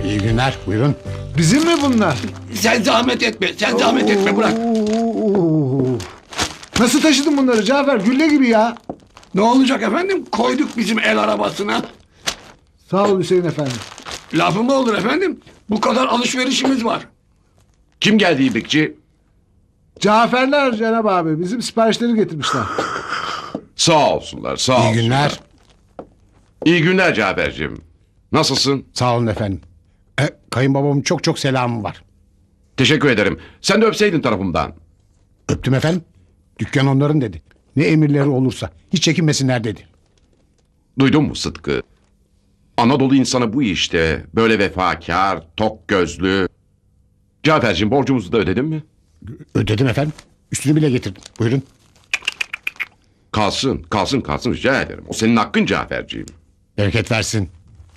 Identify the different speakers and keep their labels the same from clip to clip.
Speaker 1: İyi günler, buyurun.
Speaker 2: Bizim mi bunlar?
Speaker 3: Sen zahmet etme, sen zahmet etme, bırak.
Speaker 2: Oo. Nasıl taşıdın bunları Cafer? Gülle gibi ya.
Speaker 3: Ne olacak efendim? Koyduk bizim el arabasına.
Speaker 2: Sağ ol Hüseyin efendi.
Speaker 3: Lafı mı olur efendim? Bu kadar alışverişimiz var.
Speaker 4: Kim geldi İbrikçi?
Speaker 2: Caferler Cenab abi bizim siparişleri getirmişler.
Speaker 4: Sağ olsunlar, sağ
Speaker 1: İyi
Speaker 4: olsunlar.
Speaker 1: günler.
Speaker 4: İyi günler Cafer'cim. Nasılsın?
Speaker 1: Sağ olun efendim. Kayınbabamın çok çok selamı var.
Speaker 4: Teşekkür ederim. Sen de öpseydin tarafımdan.
Speaker 1: Öptüm efendim. Dükkan onların dedi. Ne emirleri olursa hiç çekinmesinler dedi.
Speaker 4: Duydun mu Sıtkı? Anadolu insanı bu işte. Böyle vefakar, tok gözlü. Cafer'cim borcumuzu da ödedin mi?
Speaker 1: Ödedim efendim. Üstünü bile getirdim. Buyurun.
Speaker 4: Kalsın, kalsın, kalsın rica ederim. O senin hakkın Cafer'ciğim.
Speaker 1: Bereket versin.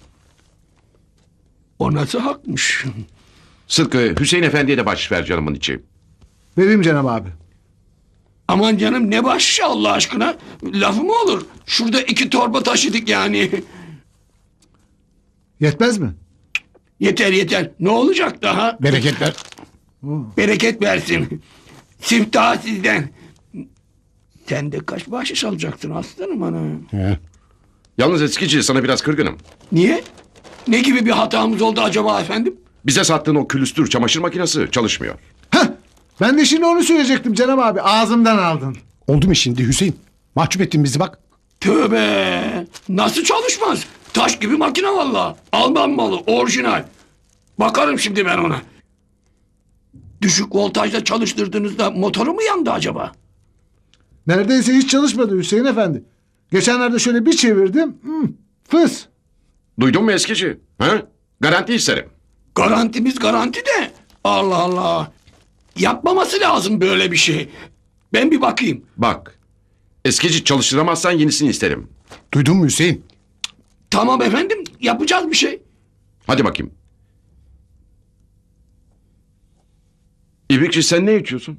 Speaker 3: O nasıl hakmış?
Speaker 4: Sıtkı, Hüseyin Efendi'ye de bahşiş ver canımın içi.
Speaker 2: Vereyim Cenab abi.
Speaker 3: Aman canım ne bahşişi Allah aşkına? Lafı mı olur? Şurada 2 torba taşıdık yani.
Speaker 2: Yetmez mi?
Speaker 3: Yeter yeter. Ne olacak daha?
Speaker 1: Bereketler.
Speaker 3: Bereket versin. Siftah sizden. Sen de kaç bahşiş alacaksın aslanım ana?
Speaker 1: He.
Speaker 4: Yalnız eskici sana biraz kırgınım.
Speaker 3: Niye? Ne gibi bir hatamız oldu acaba efendim?
Speaker 4: Bize sattığın o külüstür çamaşır makinesi çalışmıyor.
Speaker 2: Heh, ben de şimdi onu söyleyecektim Cenab abi. Ağzımdan aldın.
Speaker 1: Oldu mu şimdi Hüseyin? Mahcup ettin bizi bak.
Speaker 3: Tövbe! Nasıl çalışmaz? Taş gibi makine valla. Alman malı, orijinal. Bakarım şimdi ben ona. Düşük voltajda çalıştırdığınızda motoru mu yandı acaba?
Speaker 2: Neredeyse hiç çalışmadı Hüseyin efendi. Geçenlerde şöyle bir çevirdim. Fıs.
Speaker 4: Duydun mu eskici? Ha? Garanti isterim.
Speaker 3: Garantimiz garanti de. Allah Allah. Yapmaması lazım böyle bir şey. Ben bir bakayım.
Speaker 4: Bak. Eskici çalıştıramazsan yenisini isterim.
Speaker 1: Duydun mu Hüseyin?
Speaker 3: Tamam efendim, yapacağız bir şey.
Speaker 4: Hadi bakayım. İbrikçi sen ne içiyorsun?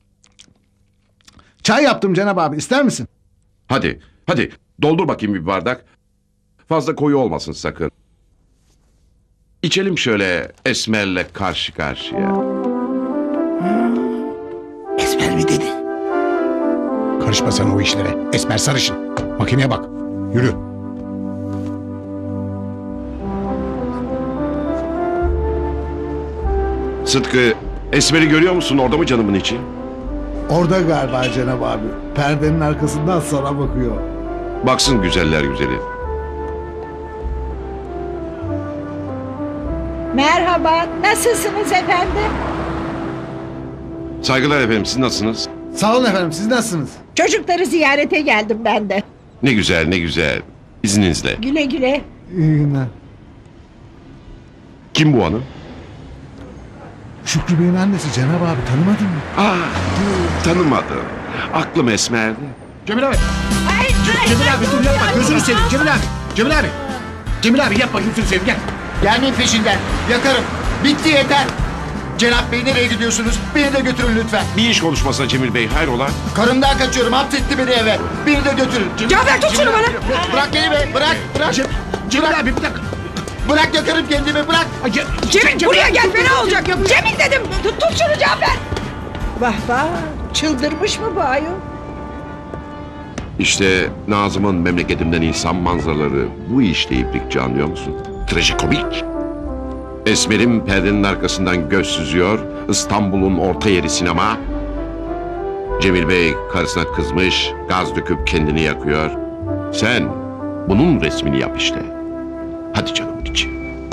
Speaker 2: Çay yaptım Cenab abi. İster misin?
Speaker 4: Hadi, hadi doldur bakayım bir bardak. Fazla koyu olmasın sakın. İçelim şöyle Esmer'le karşı karşıya.
Speaker 3: Esmer mi dedi?
Speaker 1: Karışma sen o işlere. Esmer sarışın. Makineye bak. Yürü.
Speaker 4: Sıtkı, Esmer'i görüyor musun? Orada mı canımın içi?
Speaker 2: Orada galiba Cenab abi. Perdenin arkasından sana bakıyor.
Speaker 4: Baksın güzeller güzeli.
Speaker 5: Merhaba, nasılsınız efendim?
Speaker 4: Saygılar efendim, siz nasılsınız?
Speaker 2: Sağ olun efendim. Siz nasılsınız?
Speaker 5: Çocukları ziyarete geldim ben de.
Speaker 4: Ne güzel, ne güzel. İzninizle.
Speaker 5: Güle güle.
Speaker 2: İyi günler.
Speaker 4: Kim bu hanım?
Speaker 2: Şükrü Bey'in annesi Cenab abi. Tanımadın mı?
Speaker 4: Tanımadım. Aklım Esmer'di.
Speaker 1: Cemil abi.
Speaker 5: Ay,
Speaker 1: Cemil abi dur yapma. Gözünü seveyim Cemil abi. Cemil abi. Cemil abi yapma gözünü seveyim gel.
Speaker 6: Gelmeyin peşinden. Yakarım. Bitti yeter. Cenap Bey nereye gidiyorsunuz? Beni de götürün lütfen.
Speaker 4: Bir iş konuşmasına Cemil Bey, hayrola?
Speaker 6: Karımdan kaçıyorum. Hapsetti beni eve. Beni de götürün.
Speaker 5: Cafer tut şunu bana.
Speaker 6: Bırak beni be. Bırak. Bırak.
Speaker 1: Cemil abi bir dakika.
Speaker 6: Bırak yakarım kendimi. Bırak.
Speaker 5: Cemil buraya gel, fena olacak. Cemil dedim, tut şunu Cafer. Vah vah, çıldırmış mı bu ayol?
Speaker 4: İşte Nazım'ın memleketimden insan manzaraları bu işte İbrikçi, anlıyor musun? Trajikomik. Esmer'im perdenin arkasından göz süzüyor. İstanbul'un orta yeri sinema. Cemil Bey karısına kızmış, gaz döküp kendini yakıyor. Sen bunun resmini yap işte. Hadi canım içi.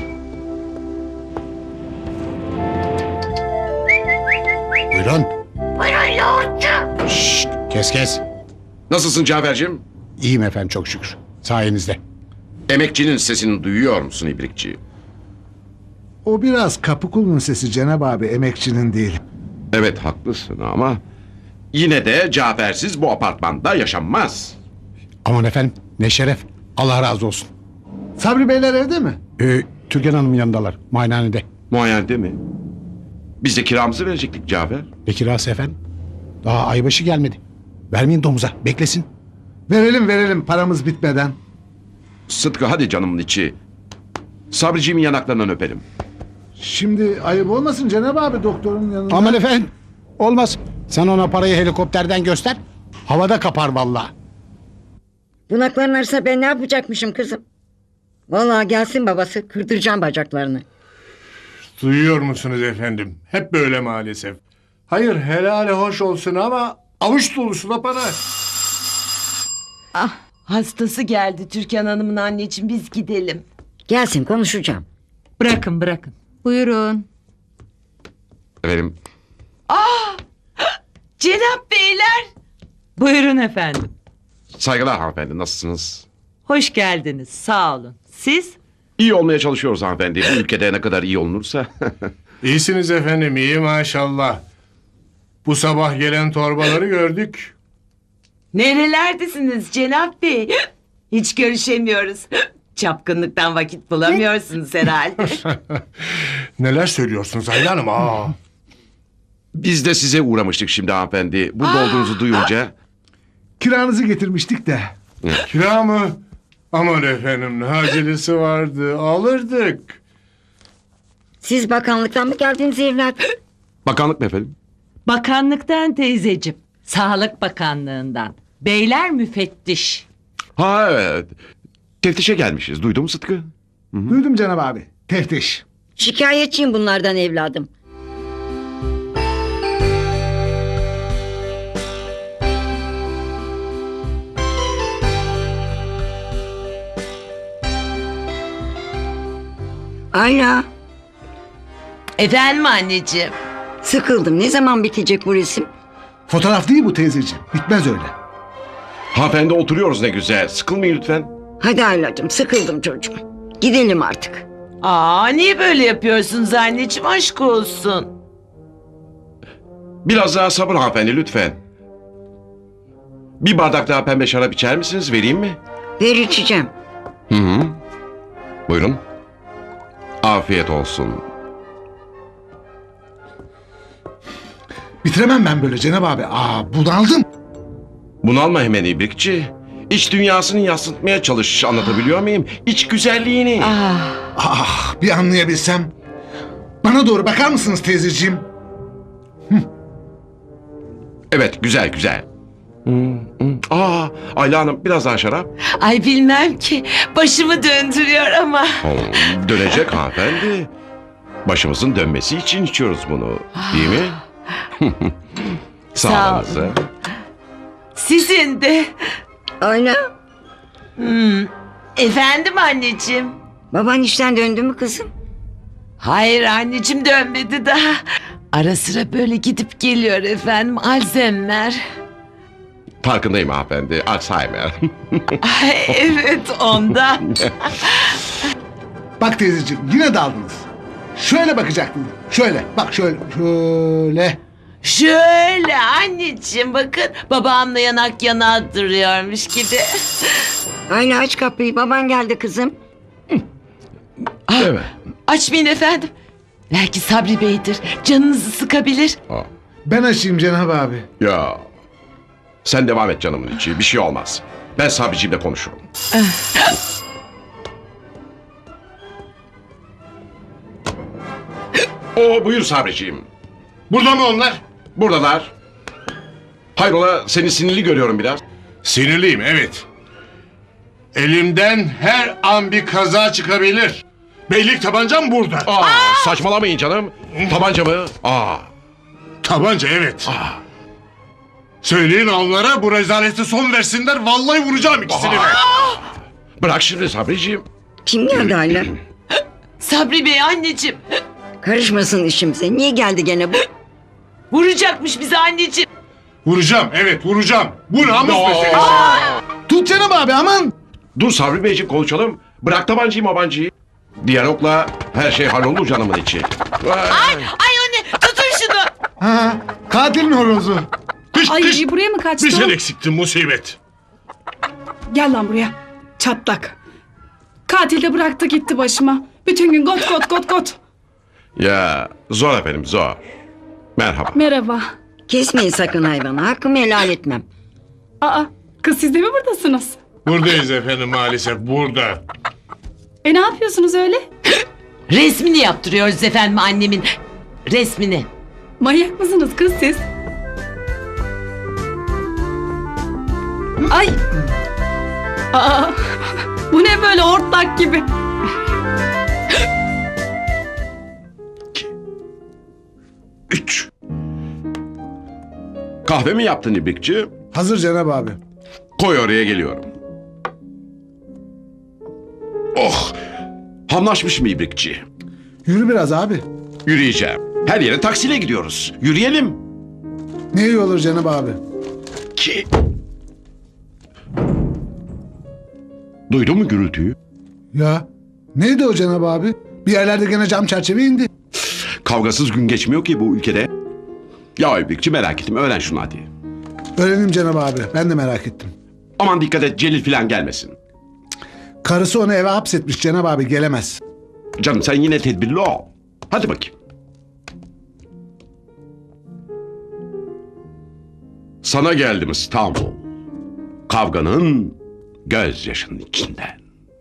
Speaker 1: Buyurun. Buyurun yoğurtçu. Şşt, kes.
Speaker 4: Nasılsın Cafer'cim?
Speaker 1: İyiyim efendim çok şükür. Sayenizde.
Speaker 4: Emekçinin sesini duyuyor musun İbrikçi?
Speaker 2: O biraz kapı kulunun sesi Cenab abi. Emekçinin değil.
Speaker 4: Evet haklısın ama yine de Cafer'siz bu apartmanda yaşanmaz.
Speaker 1: Aman efendim ne şeref. Allah razı olsun.
Speaker 2: Sabri Beyler evde mi?
Speaker 1: Türkan Hanım'ın yanındalar. Muayenehanede.
Speaker 4: Muayenede mi? Biz de kiramızı verecektik Cafer.
Speaker 1: Ne kirası efendim? Daha aybaşı gelmedi. Vermeyin domuza. Beklesin.
Speaker 2: Verelim paramız bitmeden.
Speaker 4: Sıtkı hadi canımın içi. Sabriciğimin yanaklarından öpelim.
Speaker 2: Şimdi ayıp olmasın Cenab abi doktorun yanında.
Speaker 1: Aman efendim. Olmaz. Sen ona parayı helikopterden göster. Havada kapar vallahi.
Speaker 5: Bunaklanırsa ben ne yapacakmışım kızım? Vallahi gelsin babası kırdıracağım bacaklarını.
Speaker 7: Duyuyor musunuz efendim? Hep böyle maalesef. Hayır helali hoş olsun ama avuç dolusu da para.
Speaker 8: Ah, hastası geldi Türkan Hanım'ın, anneciğim, biz gidelim.
Speaker 5: Gelsin konuşacağım.
Speaker 8: Bırakın bırakın.
Speaker 9: Buyurun.
Speaker 4: Efendim
Speaker 8: Cenap beyler. Buyurun efendim.
Speaker 4: saygılar hanımefendi, nasılsınız?
Speaker 8: Hoş geldiniz, sağ olun. Siz?
Speaker 4: İyi olmaya çalışıyoruz hanımefendi. Bu ülkede ne kadar iyi olunursa.
Speaker 7: İyisiniz efendim, iyi maşallah. Bu sabah gelen torbaları gördük.
Speaker 8: Nerelerdesiniz Cenap Bey? Hiç görüşemiyoruz. Çapkınlıktan vakit bulamıyorsunuz herhalde.
Speaker 7: Neler söylüyorsunuz Ayla Hanım? Aa.
Speaker 4: Biz de size uğramıştık şimdi hanımefendi. Burada olduğunuzu duyunca.
Speaker 2: Kiranızı getirmiştik de.
Speaker 7: Kira mı? Aman efendim ne acelesi vardı, alırdık.
Speaker 5: Siz bakanlıktan mı geldiniz evlat?
Speaker 4: Bakanlık mı efendim?
Speaker 8: Bakanlıktan teyzeciğim. Sağlık Bakanlığından. Beyler müfettiş.
Speaker 4: Ha evet. Teftişe gelmişiz. Duydun mu Sıtkı?
Speaker 2: Duydum Cenab abi. Teftiş.
Speaker 5: Şikayetçiyim bunlardan evladım. Ayla,
Speaker 8: Efendim anneciğim.
Speaker 5: sıkıldım. Ne zaman bitecek bu resim?
Speaker 2: Fotoğraf değil bu teyzeciğim. Bitmez öyle.
Speaker 4: Hanımefendi oturuyoruz ne güzel. Sıkılmayın lütfen.
Speaker 5: Hadi Aylacığım, sıkıldım çocuğum. Gidelim artık.
Speaker 8: Aa, niye böyle yapıyorsunuz anneciğim, aşk olsun.
Speaker 4: Biraz daha sabır hanımefendi lütfen. Bir bardak daha pembe şarap içer misiniz? Vereyim mi?
Speaker 5: Ver içeceğim.
Speaker 4: Hı hı. Buyurun. Afiyet olsun.
Speaker 2: Bitiremem ben böyle Cenab abi. Bunaldım.
Speaker 4: Bunalma hemen ibrikçi. İç dünyasını yansıtmaya çalış. Anlatabiliyor muyum? İç güzelliğini.
Speaker 2: Bir anlayabilsem. Bana doğru bakar mısınız teyzeciğim?
Speaker 4: Evet güzel güzel. Ayla Hanım biraz daha şarap.
Speaker 8: Ay bilmem ki, başımı döndürüyor ama.
Speaker 4: Dönecek hanımefendi. Başımızın dönmesi için içiyoruz bunu. Değil mi?
Speaker 8: Sağ
Speaker 4: Sağlığınıza.
Speaker 8: Sizin de.
Speaker 5: Ayla,
Speaker 8: Efendim anneciğim.
Speaker 5: baban işten döndü mü kızım?
Speaker 8: Hayır anneciğim, dönmedi daha. Ara sıra böyle gidip geliyor efendim, Alzheimer.
Speaker 4: Farkındayım hanımefendi. Alzheimer.
Speaker 8: Ay, evet ondan.
Speaker 2: Bak teyzeciğim yine daldınız. Şöyle bakacaktınız. Şöyle. Bak şöyle. Şöyle.
Speaker 8: Şöyle anneciğim, bakın babamla yanak yana duruyormuş gibi.
Speaker 5: Ayla aç kapıyı, baban geldi kızım.
Speaker 4: Evet.
Speaker 8: Açmayın efendim. Belki Sabri Bey'dir, canınızı sıkabilir.
Speaker 2: Ben açayım Cenab abi.
Speaker 4: Ya. Sen devam et canımın içi. Bir şey olmaz. Ben Sabriciğimle konuşurum. Buyur Sabriciğim.
Speaker 7: Burada mı onlar?
Speaker 4: Buradalar. Hayrola seni sinirli görüyorum biraz.
Speaker 7: Sinirliyim evet. Elimden her an bir kaza çıkabilir. Beylik tabancam burada.
Speaker 4: Saçmalamayın canım. Tabanca mı?
Speaker 7: Tabanca evet. Söyleyin onlara bu rezalete son versinler. Vallahi vuracağım ikisini de.
Speaker 4: Bırak şimdi Sabriciğim.
Speaker 5: Kim geldi Ayla?
Speaker 8: Sabri Bey anneciğim.
Speaker 5: Karışmasın işimize. Niye geldi gene bu?
Speaker 8: Vuracakmış bizi anneciğim.
Speaker 7: Vuracağım evet vuracağım. Bu namus meselesi.
Speaker 2: Tut Cenab abi aman.
Speaker 4: Dur Sabri Beyciğim konuşalım. Bırak tabancayı mabancayı. Diyalogla her şey hallolur canımın içi.
Speaker 8: Ay anne, tutun şunu.
Speaker 2: Katilin horozu.
Speaker 7: Kış
Speaker 9: Ay
Speaker 7: kış.
Speaker 9: buraya mı
Speaker 7: Bir
Speaker 9: kaçtı?
Speaker 7: sen
Speaker 9: o?
Speaker 7: eksiktin musibet.
Speaker 9: Gel lan buraya. Çatlak. Katil de bıraktı gitti başıma. Bütün gün got got got got.
Speaker 4: Ya zor efendim zor. Merhaba.
Speaker 9: Merhaba.
Speaker 5: Kesmeyin sakın hayvanı. Hakkımı helal etmem.
Speaker 9: Aa, kız siz de mi buradasınız?
Speaker 7: Buradayız efendim maalesef burada.
Speaker 9: Ne yapıyorsunuz öyle?
Speaker 8: Resmini yaptırıyoruz efendim annemin. Resmini.
Speaker 9: Manyak mısınız kız siz? Ay. Aa, bu ne böyle hortlak gibi?
Speaker 4: Üç. Kahve mi yaptın İbrikçi?
Speaker 2: Hazır Cenab abi.
Speaker 4: Koy oraya, geliyorum. Oh! Hamlaşmış mı İbrikçi?
Speaker 2: Yürü biraz abi.
Speaker 4: Yürüyeceğim. Her yere taksiyle gidiyoruz. Yürüyelim.
Speaker 2: Ne iyi olur Cenab abi.
Speaker 4: Ki... Duydun mu gürültüyü?
Speaker 2: Ya neydi o Cenab abi? Bir yerlerde gene cam çerçeve indi.
Speaker 4: Kavgasız gün geçmiyor ki bu ülkede. Ya İbrikçi, merak ettim. Öğren şunu hadi.
Speaker 2: Öğrenim Cenab abi. Ben de merak ettim.
Speaker 4: Aman dikkat et, Celil falan gelmesin.
Speaker 2: Karısı onu eve hapsetmiş Cenab abi, gelemez.
Speaker 4: Canım sen yine tedbirli ol. Hadi bakayım. Sana geldim İstanbul. Kavganın gözyaşının içinden.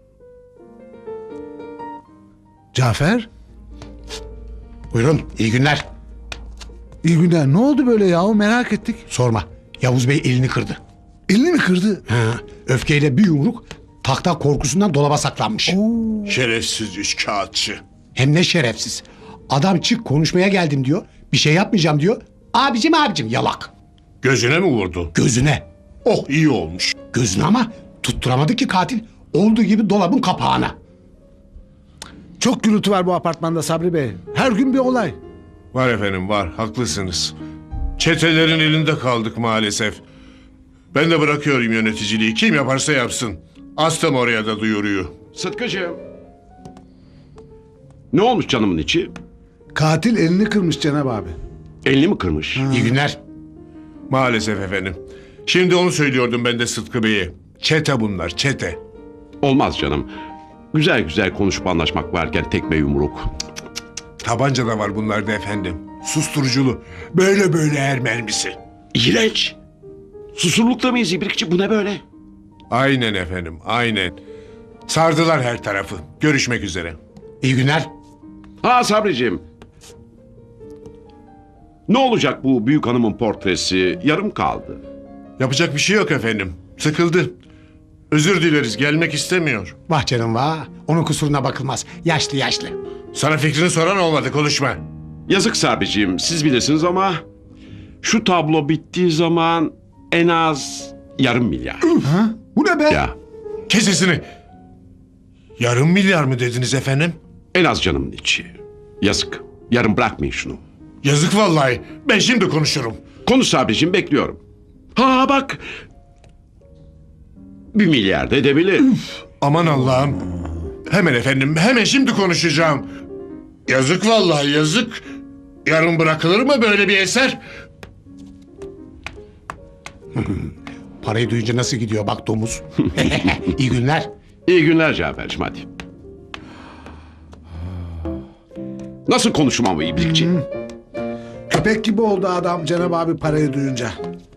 Speaker 2: Cafer,
Speaker 1: Buyurun, iyi günler.
Speaker 2: iyi günler. Ne oldu böyle yahu, merak ettik.
Speaker 1: Sorma. Yavuz Bey elini kırdı.
Speaker 2: Elini mi kırdı?
Speaker 1: Ha, öfkeyle bir yumruk tahta korkusundan dolaba saklanmış.
Speaker 7: Şerefsiz üçkağıtçı.
Speaker 1: Hem ne şerefsiz. Adam çık konuşmaya geldim diyor. Bir şey yapmayacağım diyor. Abicim yalak.
Speaker 7: Gözüne mi vurdu?
Speaker 1: Gözüne.
Speaker 7: Oh, iyi olmuş.
Speaker 1: Gözüne ama tutturamadı ki katil. Olduğu gibi dolabın kapağına.
Speaker 2: Çok gürültü var bu apartmanda Sabri Bey. Her gün bir olay.
Speaker 7: Var efendim, var. Haklısınız. Çetelerin elinde kaldık maalesef. Ben de bırakıyorum yöneticiliği. Kim yaparsa yapsın. Astım oraya da duyuruyor.
Speaker 4: Sıtkıcığım. Ne olmuş canımın içi?
Speaker 2: Katil elini kırmış Cenab abi.
Speaker 4: Elini mi kırmış?
Speaker 1: İyi günler.
Speaker 7: Maalesef efendim. Şimdi onu söylüyordum ben de Sıtkı Bey'e. Çete bunlar, çete.
Speaker 4: Olmaz canım. Güzel güzel konuşup anlaşmak varken tekme yumruk.
Speaker 7: Tabanca da var bunlarda efendim. Susturuculu. Böyle böyle er mermisi.
Speaker 4: İğrenç. Susurlukta mıyız İbrikçi? Bu ne böyle?
Speaker 7: Aynen efendim, aynen. Sardılar her tarafı. Görüşmek üzere.
Speaker 1: İyi günler.
Speaker 4: Ha Sabriciğim. Ne olacak bu büyük hanımın portresi? Yarım kaldı.
Speaker 7: Yapacak bir şey yok efendim. Sıkıldı. Özür dileriz, gelmek istemiyor.
Speaker 1: Vah canım vah. Onun kusuruna bakılmaz. Yaşlı yaşlı.
Speaker 7: Sana fikrini soran olmadı, konuşma.
Speaker 4: Yazık Sabriciğim, siz bilirsiniz ama şu tablo bittiği zaman en az yarım milyar.
Speaker 2: Ha? Bu ne be?
Speaker 4: Ya
Speaker 7: Kes sesini. Yarım milyar mı dediniz efendim?
Speaker 4: en az canımın içi. Yazık. Yarın bırakmayın şunu.
Speaker 7: Yazık vallahi. Ben şimdi konuşurum.
Speaker 4: Konuş Sabriciğim, bekliyorum. Ha bak. 1 milyar da edebilir.
Speaker 7: Aman Allah'ım. Hemen efendim, hemen şimdi konuşacağım. Yazık vallahi, yazık. Yarın bırakılır mı böyle bir eser?
Speaker 1: Parayı duyunca nasıl gidiyor bak domuz. İyi günler.
Speaker 4: İyi günler Cafer'cim, hadi. Nasıl konuşmam bu İbrikçi?
Speaker 2: Köpek gibi oldu adam Cenab abi parayı duyunca.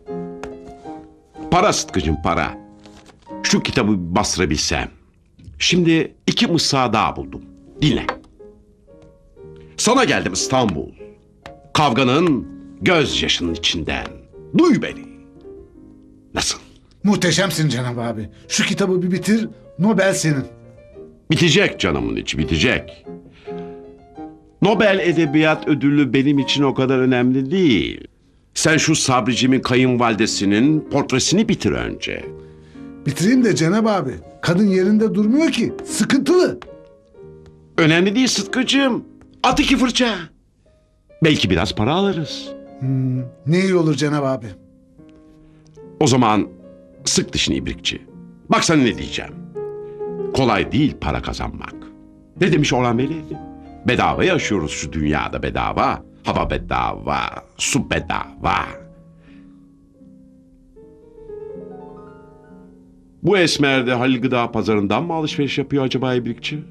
Speaker 4: Para Sıtkı'cım, para. Şu kitabı bir bastırabilsem. Şimdi 2 mısra daha buldum. Dinle. Sana geldim İstanbul. Kavganın gözyaşının içinden. Duy beni. Nasıl?
Speaker 2: Muhteşemsin Cenab abi. Şu kitabı bir bitir, Nobel senin.
Speaker 4: Bitecek canımın içi, bitecek. Nobel Edebiyat Ödülü benim için o kadar önemli değil. Sen şu Sabricimin kayınvalidesinin portresini bitir önce.
Speaker 2: Bitireyim de Cenab abi. Kadın yerinde durmuyor ki. Sıkıntılı.
Speaker 4: Önemli değil Sıtkı'cığım. At 2 fırça. Belki biraz para alırız.
Speaker 2: Ne iyi olur Cenab abi.
Speaker 4: O zaman sık dişini İbrikçi. Bak sana ne diyeceğim. Kolay değil para kazanmak. Ne demiş Orhan Veli? Bedava yaşıyoruz şu dünyada, bedava. Hava bedava, su bedava. Bu esmer de Halil Gıda Pazarı'ndan mı alışveriş yapıyor acaba İbrikçi?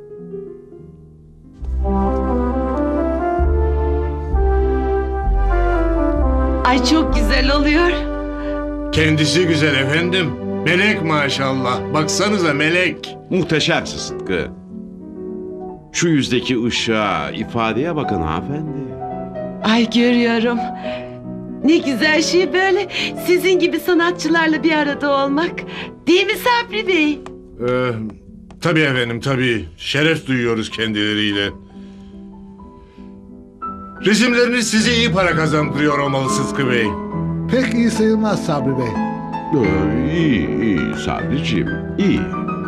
Speaker 8: Ay çok güzel oluyor.
Speaker 7: Kendisi güzel efendim. Melek maşallah. Baksanıza melek.
Speaker 4: Muhteşemsin Sıtkı. Şu yüzdeki ışığa, ifadeye bakın hanımefendi.
Speaker 8: Ay görüyorum. Ne güzel şey böyle sizin gibi sanatçılarla bir arada olmak. Değil mi Sabri Bey?
Speaker 7: Tabii efendim tabii. Şeref duyuyoruz kendileriyle. Resimleriniz size iyi para kazandırıyor olmalı Sıtkı Bey.
Speaker 2: Pek iyi sayılmaz Sabri Bey.
Speaker 4: İyi Sabriciğim, iyi.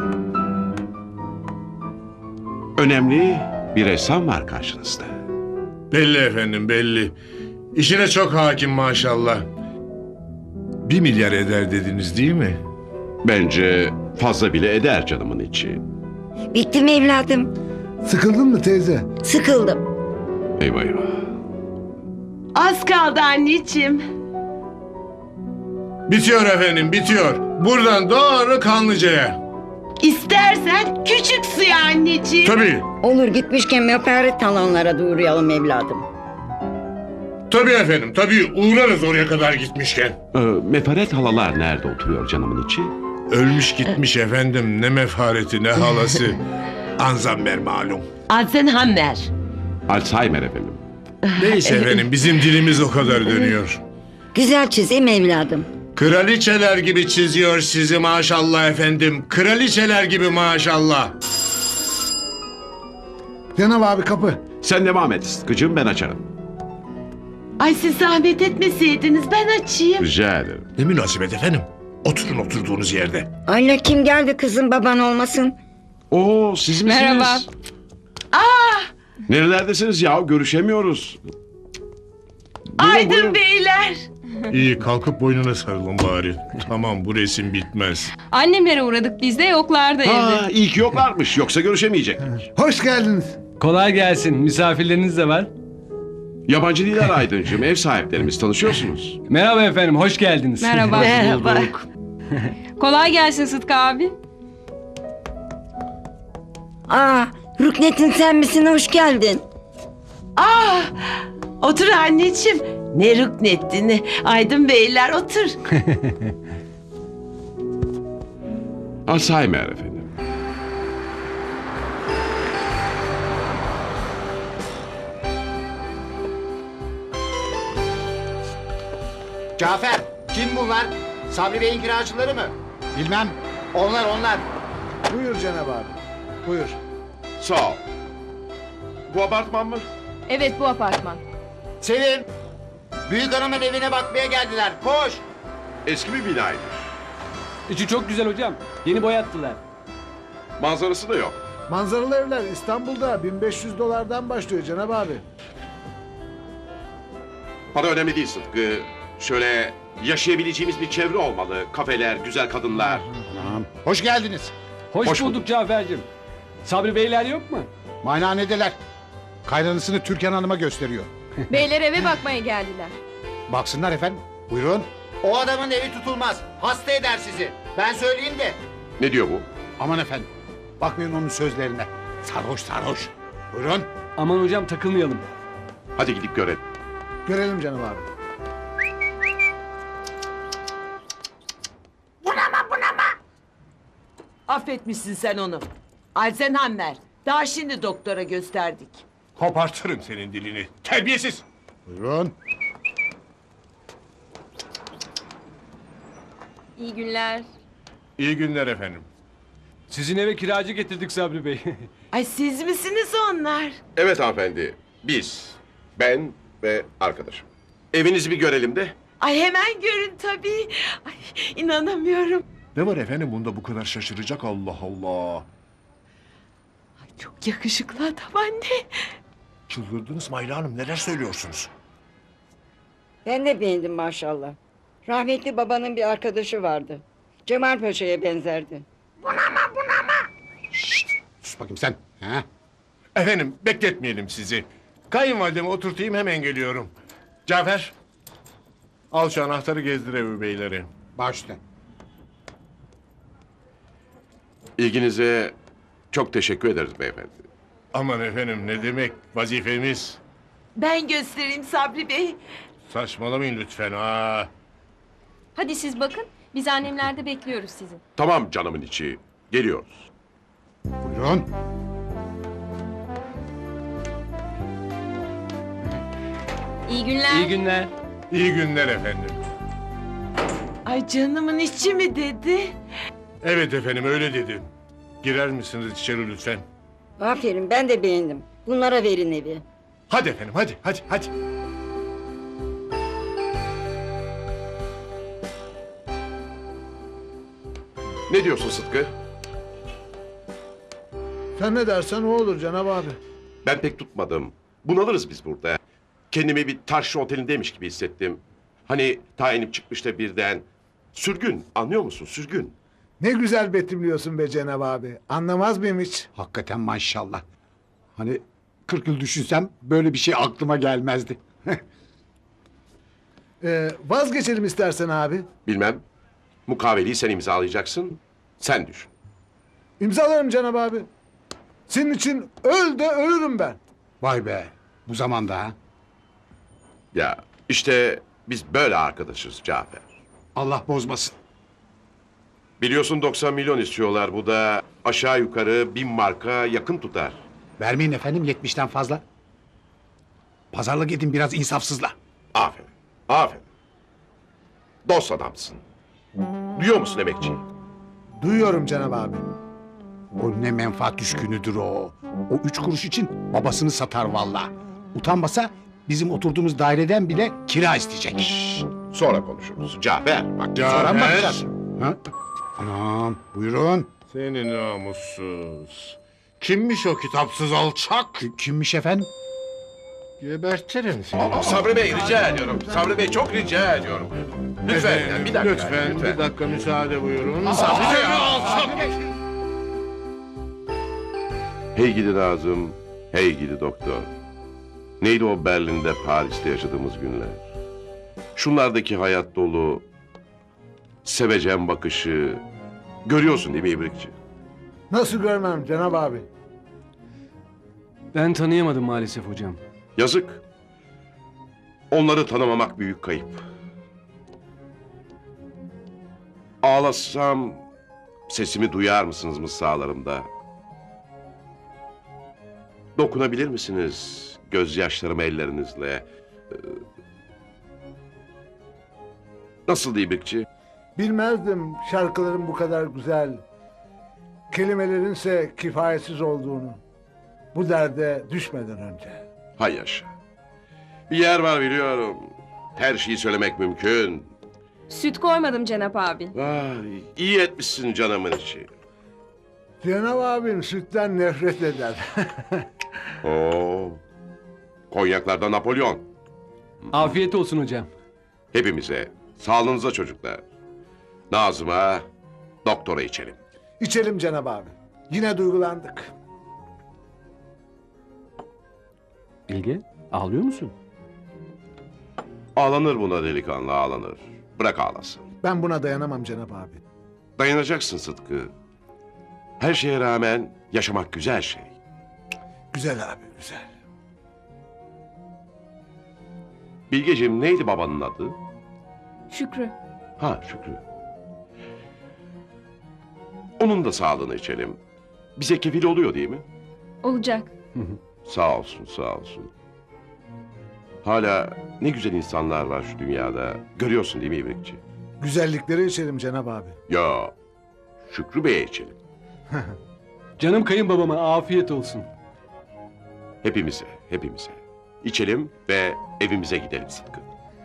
Speaker 4: Önemli bir ressam var karşınızda.
Speaker 7: Belli efendim belli. İşine çok hakim maşallah. 1 milyar eder dediniz değil mi?
Speaker 4: Bence fazla bile eder canımın içi.
Speaker 5: Bitti mi evladım?
Speaker 2: Sıkıldın mı teyze?
Speaker 5: Sıkıldım.
Speaker 4: Eyvah eyvah.
Speaker 8: Az kaldı anneciğim.
Speaker 7: Bitiyor efendim bitiyor. Buradan doğru Kanlıca'ya.
Speaker 8: İstersen küçük suya anneciğim.
Speaker 7: Tabii.
Speaker 5: Olur gitmişken mefaret alanlara da uğrayalım evladım.
Speaker 7: Tabii efendim tabii uğrarız oraya kadar gitmişken.
Speaker 4: Mefaret halalar nerede oturuyor canımın içi?
Speaker 7: Ölmüş gitmiş efendim ne mefareti ne halası. Anzamber malum.
Speaker 8: Alzenhammer.
Speaker 4: Alzheimer efendim.
Speaker 7: Neyse efendim bizim dilimiz o kadar dönüyor.
Speaker 5: Güzel çizeyim evladım.
Speaker 7: Kraliçeler gibi çiziyor sizi maşallah efendim. Kraliçeler gibi maşallah.
Speaker 2: Cenab abi kapı.
Speaker 4: Sen devam et Sıtkı'cığım, ben açarım.
Speaker 8: Ay siz zahmet etmeseydiniz ben açayım.
Speaker 4: Rica ederim.
Speaker 7: Ne münasebet efendim. Oturun oturduğunuz yerde.
Speaker 5: Anne kim geldi kızım baban olmasın?
Speaker 4: Oo, siz misiniz?
Speaker 9: Merhaba.
Speaker 4: Nerelerdesiniz ya? Görüşemiyoruz.
Speaker 8: Aydın beyler.
Speaker 7: İyi kalkıp boynuna sarılın bari. Tamam bu resim bitmez.
Speaker 9: Annemlere uğradık biz de yoklardı evde.
Speaker 4: Ha, iyi ki yoklarmış. Yoksa görüşemeyecektik.
Speaker 2: Hoş geldiniz.
Speaker 10: Kolay gelsin. Misafirleriniz de var.
Speaker 4: Yabancı değiller Aydıncığım. Ev sahiplerimiz, tanışıyorsunuz.
Speaker 10: Merhaba efendim. Hoş geldiniz.
Speaker 9: Merhaba.
Speaker 8: Merhaba.
Speaker 9: Kolay gelsin Sıtkı abi.
Speaker 5: Aa Rüknet'in sen misin hoş geldin.
Speaker 8: Otur anneciğim. Ne rüknetti. Aydın beyler otur.
Speaker 4: Alzheimer efendim.
Speaker 6: Cafer, kim bunlar? Sabri Bey'in kiracıları mı?
Speaker 1: Bilmem.
Speaker 6: Onlar.
Speaker 2: Buyur Cenab abi. Buyur.
Speaker 4: Sağ ol. Bu apartman mı?
Speaker 9: Evet bu apartman.
Speaker 6: Sevim, büyük hanımın evine bakmaya geldiler. Koş.
Speaker 4: Eski bir binaydı.
Speaker 10: İçi çok güzel hocam. Yeni boyattılar.
Speaker 4: Manzarası da yok.
Speaker 2: Manzaralı evler İstanbul'da 1500 dolardan başlıyor Cenab abi.
Speaker 4: Para önemli değil Sıtkı. Şöyle yaşayabileceğimiz bir çevre olmalı. Kafeler, güzel kadınlar.
Speaker 1: Tamam. Hoş geldiniz.
Speaker 10: Hoş,
Speaker 4: Hoş
Speaker 10: bulduk
Speaker 4: bulduk.
Speaker 10: Cafer'cim. Sabri beyler yok mu?
Speaker 1: Maynanedeler. Kaynanasını Türkan Hanım'a gösteriyor.
Speaker 9: Beyler eve bakmaya geldiler.
Speaker 1: Baksınlar efendim. Buyurun.
Speaker 6: O adamın evi tutulmaz. Hasta eder sizi. Ben söyleyeyim de.
Speaker 4: Ne diyor bu?
Speaker 1: Aman efendim. Bakmayın onun sözlerine. Sarhoş sarhoş. Buyurun.
Speaker 10: Aman hocam takılmayalım.
Speaker 4: Hadi gidip görelim.
Speaker 2: Görelim Cenab abi.
Speaker 8: Affetmişsin sen onu. Alzenhammer. Daha şimdi doktora gösterdik.
Speaker 7: Kopartırım senin dilini. Terbiyesiz.
Speaker 1: Buyurun.
Speaker 9: İyi günler.
Speaker 7: İyi günler efendim.
Speaker 10: Sizin eve kiracı getirdik Sabri Bey.
Speaker 8: Ay siz misiniz onlar?
Speaker 4: Evet hanımefendi. Biz, ben ve arkadaşım. Evinizi bir görelim de.
Speaker 8: Ay hemen görün tabii. Ay inanamıyorum.
Speaker 7: Ne var efendim bunda bu kadar şaşıracak Allah Allah.
Speaker 8: Ay çok yakışıklı adam anne.
Speaker 7: Çıldırdınız mı Ayla Hanım neler söylüyorsunuz?
Speaker 5: Ben de beğendim maşallah. Rahmetli babanın bir arkadaşı vardı. Cemal Paşa'ya benzerdi.
Speaker 1: Sus bakayım sen. Ha?
Speaker 7: Efendim bekletmeyelim sizi. Kayınvalidemi oturtayım hemen geliyorum. Cafer. Al şu anahtarı gezdir evi beyleri.
Speaker 1: Baş üstüne.
Speaker 4: İlginize çok teşekkür ederiz beyefendi.
Speaker 7: Aman efendim ne demek vazifemiz.
Speaker 8: Ben göstereyim Sabri Bey.
Speaker 7: Saçmalamayın lütfen ha.
Speaker 9: Hadi siz bakın. Biz annemlerde bekliyoruz sizi.
Speaker 4: Tamam canımın içi. Geliyoruz.
Speaker 1: Buyurun.
Speaker 11: İyi günler.
Speaker 10: İyi günler.
Speaker 7: İyi günler efendim.
Speaker 8: Ay canımın içi mi dedi?
Speaker 7: Evet efendim öyle dedim. Girer misiniz içeri lütfen?
Speaker 5: Aferin ben de beğendim. Bunlara verin evi.
Speaker 7: Hadi efendim hadi.
Speaker 4: Ne diyorsun Sıtkı?
Speaker 2: Sen ne dersen o olur Cenab abi.
Speaker 4: Ben pek tutmadım. Bunalırız biz burada. Kendimi bir taşlı otelindeymiş gibi hissettim. Hani tayinim çıkmış da birden. Sürgün, anlıyor musun? Sürgün.
Speaker 2: Ne güzel betimliyorsun be Cenab abi. Anlamaz mıyım hiç?
Speaker 1: Hakikaten maşallah. Hani 40 yıl düşünsem böyle bir şey aklıma gelmezdi.
Speaker 2: Vazgeçelim istersen abi.
Speaker 4: Bilmem. Mukaveleyi sen imzalayacaksın. Sen düşün.
Speaker 2: İmzalarım Cenab abi. Senin için öl de ölürüm ben.
Speaker 1: Vay be, bu zamanda ha.
Speaker 4: Ya işte biz böyle arkadaşız Cafer.
Speaker 1: Allah bozmasın.
Speaker 4: Biliyorsun 90 milyon istiyorlar. Bu da aşağı yukarı 1000 marka yakın tutar.
Speaker 1: Vermeyin efendim 70'ten fazla. Pazarlık edin biraz insafsızla.
Speaker 4: Aferin. Aferin. Dost adamsın. Duyuyor musun emekçi?
Speaker 2: Duyuyorum Cenab abi.
Speaker 1: O ne menfaat düşkünüdür o. O 3 kuruş için babasını satar valla. Utanmasa bizim oturduğumuz daireden bile kira isteyecek.
Speaker 4: Sonra konuşuruz. Cafer bak.
Speaker 1: Sonra mı
Speaker 7: Cafer.
Speaker 1: bakacağız? Ha? Anam buyurun.
Speaker 7: Seni namussuz. Kimmiş o kitapsız alçak?
Speaker 1: Kimmiş efendim?
Speaker 7: Gebertirim seni.
Speaker 4: Sabri Bey rica ediyorum. Sabri Bey çok rica ediyorum. Lütfen
Speaker 7: Efendim,
Speaker 4: bir dakika.
Speaker 7: Lütfen, bir dakika müsaade buyurun.
Speaker 4: Sabri Bey alçak. Hey gidi Nazım, hey gidi doktor. Neydi o Berlin'de, Paris'te yaşadığımız günler? Şunlardaki hayat dolu, sevecen bakışı... Görüyorsun değil mi İbrikçi?
Speaker 2: Nasıl görmem Cenab abi?
Speaker 10: Ben tanıyamadım maalesef hocam.
Speaker 4: Yazık. Onları tanımamak büyük kayıp. Ağlasam sesimi duyar mısınız mısralarımda? Dokunabilir misiniz gözyaşlarımı ellerinizle? Nasıldı İbrikçi?
Speaker 2: Bilmezdim şarkıların bu kadar güzel, kelimelerinse kifayetsiz olduğunu. Bu derde düşmeden önce.
Speaker 4: Hay yaşa. Bir yer var biliyorum. Her şeyi söylemek mümkün.
Speaker 11: Süt koymadım Cenap abi.
Speaker 4: Vay, iyi etmişsin canımın içi.
Speaker 2: Cenab abim sütten nefret eder.
Speaker 4: Oo. Konyaklarda Napolyon.
Speaker 10: Afiyet olsun hocam.
Speaker 4: Hepimize, sağlığınıza çocuklar. Nazım'a, doktora içelim.
Speaker 2: İçelim Cenab abi. Yine duygulandık.
Speaker 10: Bilge, ağlıyor musun?
Speaker 4: Ağlanır buna delikanlı, ağlanır. Bırak ağlasın.
Speaker 2: Ben buna dayanamam Cenab abi.
Speaker 4: Dayanacaksın Sıtkı. Her şeye rağmen yaşamak güzel şey.
Speaker 2: Güzel abi güzel.
Speaker 4: Bilgeciğim neydi babanın adı?
Speaker 11: Şükrü.
Speaker 4: Ha Şükrü. Onun da sağlığını içelim. Bize kefil oluyor değil mi?
Speaker 11: Olacak.
Speaker 4: Sağ olsun, sağ olsun. Hala ne güzel insanlar var şu dünyada. Görüyorsun değil mi İbrikçi?
Speaker 2: Güzellikleri içelim Cenab abi.
Speaker 4: Ya Şükrü Bey'e içelim.
Speaker 10: Canım kayınbabama afiyet olsun.
Speaker 4: Hepimize, hepimize. İçelim ve evimize gidelim Sıtkı.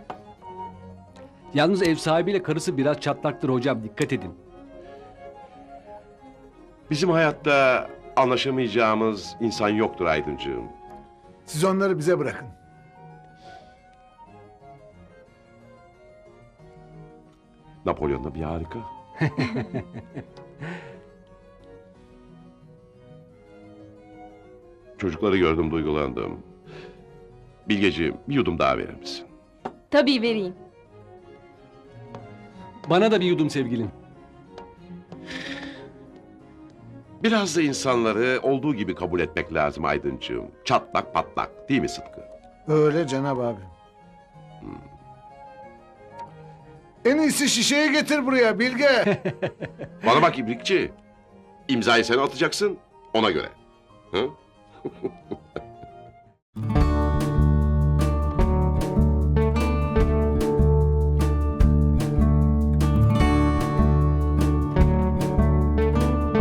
Speaker 10: Yalnız ev sahibiyle karısı biraz çatlaktır hocam, dikkat edin.
Speaker 4: Bizim hayatta anlaşamayacağımız insan yoktur Aydıncığım.
Speaker 2: Siz onları bize bırakın.
Speaker 4: Napolyon da bir harika. Çocukları gördüm, duygulandım. Bilgeciğim, bir yudum daha verir misin?
Speaker 11: Tabii vereyim.
Speaker 10: Bana da bir yudum sevgilim.
Speaker 4: Biraz da insanları olduğu gibi kabul etmek lazım Aydıncığım. Çatlak patlak, değil mi Sıtkı?
Speaker 2: Öyle Cenab abi. En iyisi şişeyi getir buraya Bilge.
Speaker 4: Bana bak İbrikçi. İmzayı sen atacaksın, ona göre. Hı?